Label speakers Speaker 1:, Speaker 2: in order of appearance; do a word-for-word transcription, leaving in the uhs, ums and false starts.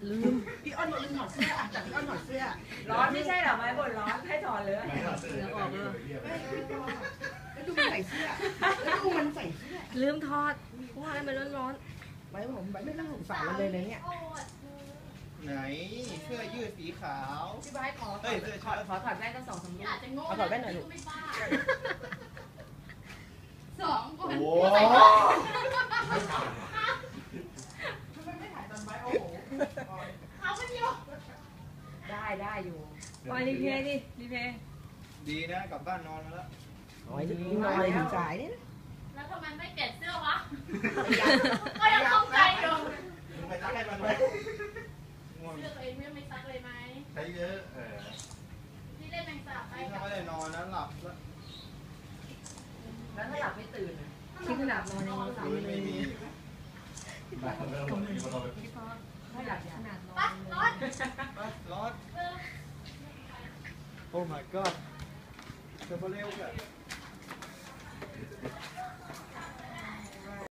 Speaker 1: ลืมพี่อ้อนบอกลืมถอดเสื้ออ่ะแต่พี่อ้อนถอดเสื้อ
Speaker 2: ร้อนไม่ใช่หรอไม้บ่นร้อนให้ถอดเลย
Speaker 1: เดี๋ยวออกเลยแล้วดูมันใส่เสื้อแล้วดูมันใส่เสื้อ
Speaker 3: ลืมทอดว่าอะไรมันร้อน
Speaker 1: ไว้ผมไว้ไม่ต้องสงสารมันเลยนะเนี่ย
Speaker 4: ไหนเสื้อยืดสีขาว
Speaker 2: พี่บายขอขอขอขอถอดแว่นตั้งสองสามลูก
Speaker 1: เอาถอดแว่นหน่อยลูก
Speaker 5: สองโอ้โห
Speaker 1: ทำไมไม่ถ่ายตอนไว้โอ้โห
Speaker 5: เขาไม่ยอม
Speaker 2: ได้ได้อยู่
Speaker 3: ปล่อยรีเพย์ดิรีเพย์
Speaker 4: ดีนะกลับบ้านนอนมาแล้ว
Speaker 1: นอนนอนถึงสายเนี่ย
Speaker 5: แล้วทำไมไม่เปลี่ยนเสื้อวะก็ยังคงใจอยู่
Speaker 4: ไปซักให้มันไหม
Speaker 5: เสื้อตัวเองไม่ซักเลยไหม
Speaker 4: ใช้เยอะเออ
Speaker 5: ที่เล่นแมงสาบไป
Speaker 4: ถ้าไม่ได้นอนนะหลับ
Speaker 2: แล้วแล้วถ้าหลับไม่ตื่นที่ขนาดนอนยังนอนไม่
Speaker 4: ไม่มี
Speaker 2: ไม่หลับขนาดนอน
Speaker 5: ร้อน
Speaker 4: ร้อนโอ้ my god จะมาเร็วกัน